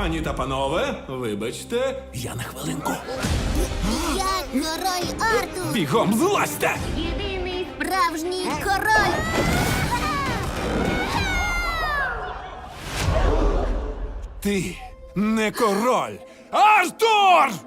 Пані та панове, вибачте, я на хвилинку. Я король Артур, Бігом злазьте! єдиний справжній король. Ти не король! Артур!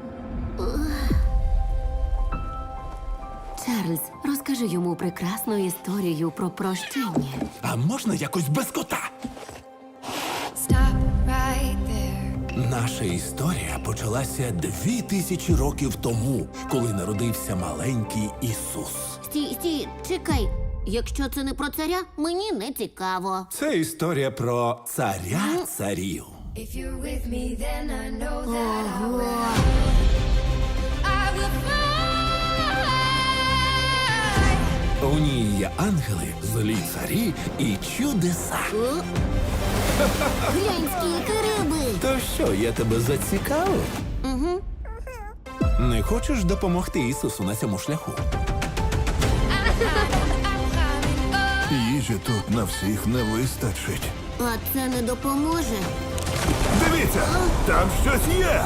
Чарльз, розкажи йому прекрасну історію про прощення. А можна якось без кота? Stop right there. Наша історія почалася 2000 років тому, коли народився маленький Ісус. Стій, чекай. Якщо це не про царя, мені не цікаво. Це історія про царя царів. If you're with me, then I know that I Ого. will fly. У ній є ангели, злі царі і чудеса. О? Глянь, скільки риби. То що, я тебе зацікавив? Угу. Не хочеш допомогти Ісусу на цьому шляху? Їжі тут на всіх не вистачить. А це не допоможе. Дивіться, там щось є.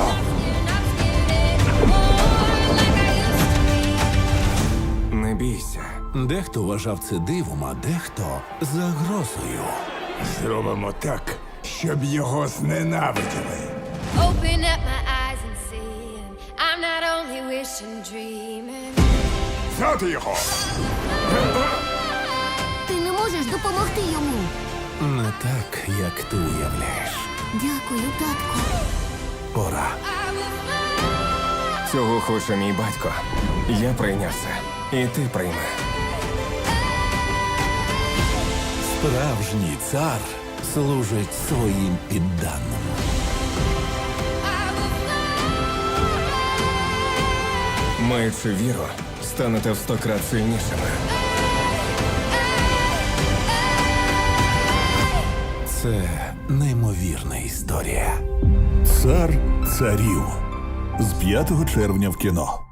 Не бійся. Дехто вважав це дивом, а дехто загрозою. Зробимо так, щоб його зненавиділи. Open up my eyes and see. And I'm not only wishing, dreaming. Взяти його! Ти не можеш допомогти йому. Не так, як ти уявляєш. Дякую, татку. Пора. Цього хоче мій батько. Я прийняв це. І ти прийми. Справжній цар служить своїм підданим. Маючи віру, станете в 100 крат сильнішими. Це неймовірна історія. Цар царів з 5 червня в кіно.